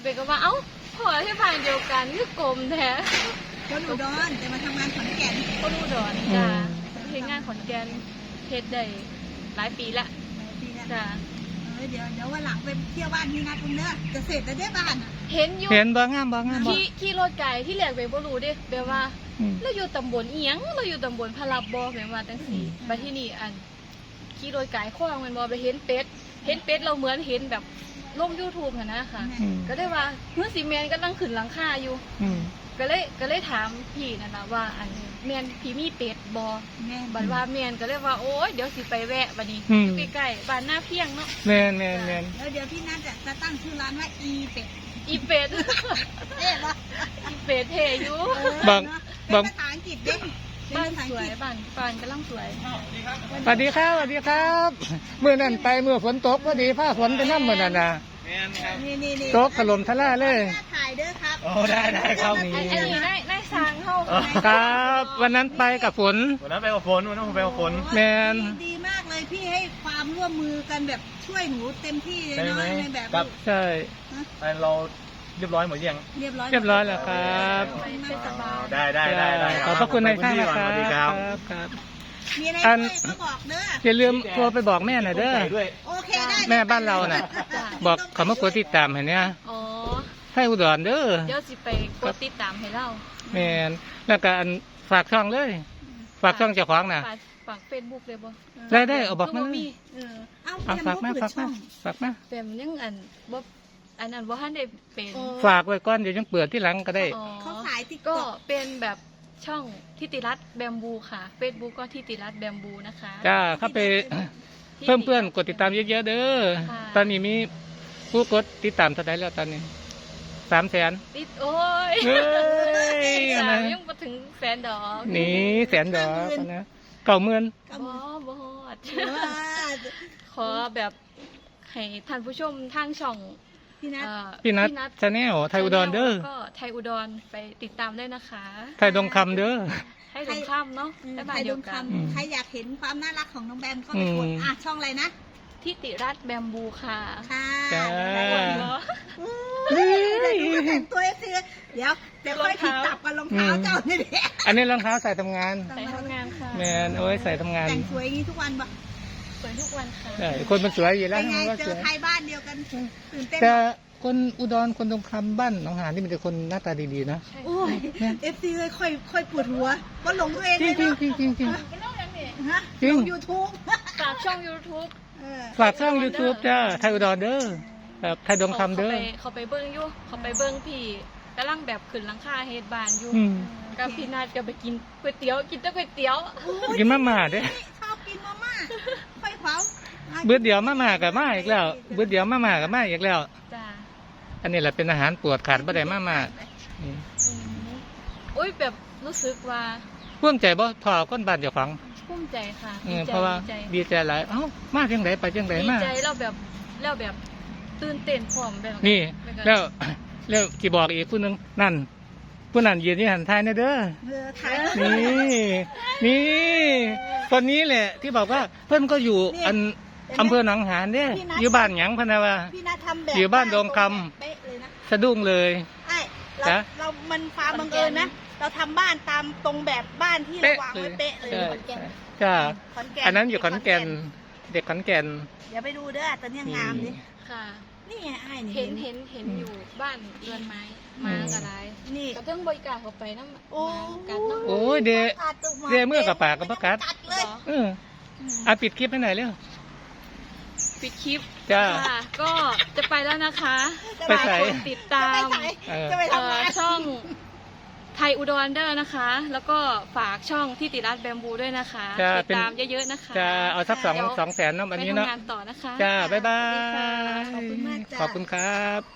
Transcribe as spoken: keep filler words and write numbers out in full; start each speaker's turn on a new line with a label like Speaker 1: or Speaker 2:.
Speaker 1: เบก็ว่าเอ้าพอที่บ้านเดียวกันคือกลมแท้
Speaker 2: คนอุดรแต่มาทำงานขอนแก่น
Speaker 1: คนอุดรจ้าเฮ็ดงานขอนแก่นเฮ็ดได้หลายปีละจ้า
Speaker 2: เดี๋ยวเดี๋ยววันหลังไปเที่ยวบ้านพี่นัดคุณเด้อจะเสร็จแล้วได้บ้าน
Speaker 1: เห็นอยู่
Speaker 3: เห็นบ่งามบ่งามบ่
Speaker 1: ขี่ขี่รถไกลที่แหลกไปบ่รู้เด้แปลว่าเราอยู่ตำบลอีหยังเราอยู่ตำบลพะลับบ่แปลว่าจังซี่บัดที่นี่อันขี่รถไกลขวางมันบ่ไปเห็นเป็ดเห็นเป็ดเราเหมือนเห็นแบบลง YouTube หั่นนะค่ะก็ได้ว่าเมื่อสิแม่นกำลังขึ้นหลังคาอยู่ก็เลยก็เลยถามพี่นั่นน่ะว่าอันแม่นพี่มีเป็ดบ่บัดว่าแม่นก็เลยว่าโอ๊ยเดี๋ยวสิไปแวะบัดนี้อยู่ใกล้ๆบ้านหน้าเพียงเนาะ
Speaker 3: แม่นแม่นแม่น
Speaker 2: แล้วเดี๋ยวพี่นัทจะตั้งชื่อร้านว่าอีเป็ด
Speaker 1: อีเป็ด
Speaker 2: เอ๊ะเหรอ
Speaker 1: อีเป็ดเท่อยู่
Speaker 3: บาง
Speaker 2: บางภาษาอังกฤษเด้
Speaker 1: บ้านสวยบ้านบ้านกำลังสวย
Speaker 3: สวัสดีครับสวัสดีครับเมื่อนั้นไปเมื่อฝนตกพอดีผ้าฝนไปน้ำเหมือนนั่นน่ะตกถล่มทลายเลย
Speaker 2: ถ่ายเด้อครับ
Speaker 3: โอ้ได้ได้ครับนี่
Speaker 1: อันนี้ได้ได้สร้างเข้า
Speaker 3: ครับวันนั้นไปกับฝน
Speaker 4: วันนั้นไปกับฝนวันนั้นผมไปกับฝน
Speaker 3: แมน
Speaker 2: ดีมากเลยพี่ให้ความร่วมมือกันแบบช่วยหนูเต็มที่เลยเนาะในแบบ
Speaker 3: ใช่
Speaker 4: เราเรียบร้อยหมดยัง
Speaker 2: เรียบร้อย
Speaker 3: เรียบร้อยแล้วครับ
Speaker 4: ได้ได้ได้ได้
Speaker 3: ขอบพระคุณในท่านนะครับ
Speaker 4: สวัสดีครับ
Speaker 2: ครับมีอะไรก็บอกเด้อ
Speaker 3: อย่าลืมโทรไปบอกแม่หน่อยเด้อ
Speaker 2: โอเคได้
Speaker 3: แม่บ้านเราน่ะบอกเขามากดติดตามเห็นเนี่ย
Speaker 1: อ๋อ
Speaker 3: ให้อุดรเด้อ
Speaker 1: เดี๋ยวสิไปกดติดตามให้เรา
Speaker 3: แม่นแล้วก็ฝากช่องเลยฝากช่องเจ้าของน่ะ
Speaker 1: ฝากเฟซบุ๊กเลยบ่
Speaker 3: ได้ได้เอาบอกมาเลย
Speaker 2: เอา
Speaker 3: ฝากมาฝากมาฝากมา
Speaker 1: เป็นยังอันบ่อันนั้นบ่ทันได้เป็น
Speaker 3: ฝากไว้ก่อนเดี๋ยวยังเปิดที่หลังก็ได้
Speaker 2: เขาขายติ๊ก
Speaker 1: ก็เป็นแบบช่องทิติรัตน์แบมบูค่ะเฟซบุ๊กก็ทิติรัตน์แบมบูนะคะ
Speaker 3: จ้าเข้าไปเพิ่มเพื่อนกดติดตามเยอะๆเด้อตอนนี้มีผู้กดติดตามเท่าไหร่แล้วตอนนี้สามแสน
Speaker 1: ติดโอ้ยสามยังมาถึงแสนดอก
Speaker 3: นี่แสนดอกนะเก่าเมือน
Speaker 1: บ่บ่ฮอดขอแบบให้ท่านผู้ชมทางช่อง
Speaker 2: พี่นัท
Speaker 3: พี่นัทชาแนลไทยอุดรเด้อ
Speaker 1: ก็ไทยอุดรไปติดตามได้นะคะ
Speaker 3: ไทยดงคำเด้อ
Speaker 1: ไทยดงคำเนาะ
Speaker 2: ไทยดงคำใครอยากเห็นความน่ารักของน้องแบมก็ไปกดอ่ะช่องอะไรนะ
Speaker 1: ทิติรัตน์แบมบูค่ะ
Speaker 2: ค่ะ
Speaker 3: จ้า
Speaker 2: แต่งตัวเอฟซีเดี๋ยวเดี๋ยวค่อยผิดตับกับรองเท้าเจ้านี่แหละ
Speaker 3: อันนี้รองเท้าใส่ทำงาน
Speaker 1: ใส่ทำงานค่ะ
Speaker 3: แมนโอ้ยใส่ทำงาน
Speaker 2: แต่งสวยอย่างนี้ทุกวันปะ
Speaker 1: สวยทุกวันค่ะ
Speaker 3: ใช่คนมันสวยอยู่แล้ว
Speaker 2: ไงเจอใครบ้านเดียวกันตื่นเต้น
Speaker 3: แต่คนอุดรคนตรงคำบ้านหนองหานนี่มันจะคนหน้าตาดีๆนะ
Speaker 2: โอ้ยเอฟซีเลยค่อยค่อยปวดหัวก็หลงตัวเอง
Speaker 3: เลย
Speaker 2: จริง
Speaker 3: จริงจริงจริง
Speaker 2: จริงยูทูบ
Speaker 1: ฝากช่องยูทูบ
Speaker 3: ฝากช่องยูทูบจ้าไทยอุดรเด้อแบบไทยดงคำเด้อ
Speaker 1: เขาไปเบิ้งอยู่เขาไปเบิ้งพี่กำลังแบบขึ้นหลังคาเฮดบานอยู่กับพี่นัดก็ไปกินก๋วยเตี๋ยวกินแต่ก๋วยเตี๋ยว
Speaker 3: กินมาม่าเด้
Speaker 2: ชอบกินมาม่าค่อยเผา
Speaker 3: เบื่อเดี๋ยวมาม่ากับมาอีกแล้วเบื่อเดี๋ยวมาม่ากับมาอีกแล้ว
Speaker 1: จ้า
Speaker 3: อันนี้แหละเป็นอาหารปวดขาดบ่ได้มาม่า
Speaker 1: โอ้ยแบบรู้สึกว่า
Speaker 3: ภูมิใจบ่พอคนบ้านเจ้าของ
Speaker 1: ภูมิใจค่ะ
Speaker 3: เพราะว่าดีใจหลายเอ้ามาจังไดไปจังไดมา
Speaker 1: ดีใจแล้วแบบแล้วแบบตื่นเต้นพร้อมแบบ
Speaker 3: นี่แล้วแล้วที่บอกอีกผู้นึงนั่นผู้นั้นยืนที่หันท้ายนะเด้อนี่นี่คนนี้แหละที่บอกว่าเพิ่นก็อยู่อันอำเภอหนองหานเนี่ยอยู่บ้านหยังพนะว่าอยู่บ้านดงคำสะดุ้งเลย
Speaker 2: ใช่เราเรามันฟ้าบังเอิญนะเราทำบ้านตามตรงแบบบ้านที่เราวางไว้เป๊ะเลยขอนแก่น
Speaker 3: จ้าอันนั้นอยู่ขอนแก่นเด็กขอนแก่น
Speaker 2: เดี๋ยวไปดูเด้อตอนนี้งามดิ
Speaker 1: ค่ะ
Speaker 2: นี่ไงไอ้
Speaker 1: เห็นเห็นเห็นอยู่บ้านเรือนไม้มากระไรนี่ก็ต้องบริการเข้าไปน้ำโอ้
Speaker 3: โอ้ยเดเดเมื่อกับปากกับประกาศเอออ่ะปิดคลิปให้หน่อยเร็ว
Speaker 1: ปิดคลิป
Speaker 3: จ้า
Speaker 1: ก็จะไปแล้วนะคะ
Speaker 3: ไปใส่
Speaker 1: ติดตามช่องไทยอุดรเด้อนะคะแล้วก็ฝากช่องที่ติรัตน์แบมบูด้วยนะคะติดตามเยอะๆนะคะ
Speaker 3: จะเอาสักสองสองแสนน้ำอันนี้เนาะ
Speaker 1: ไปทำงานต่อนะคะ
Speaker 3: จ้าบ๊ายบาย
Speaker 2: ขอบคุณมากจ้า
Speaker 3: ขอบคุณครับ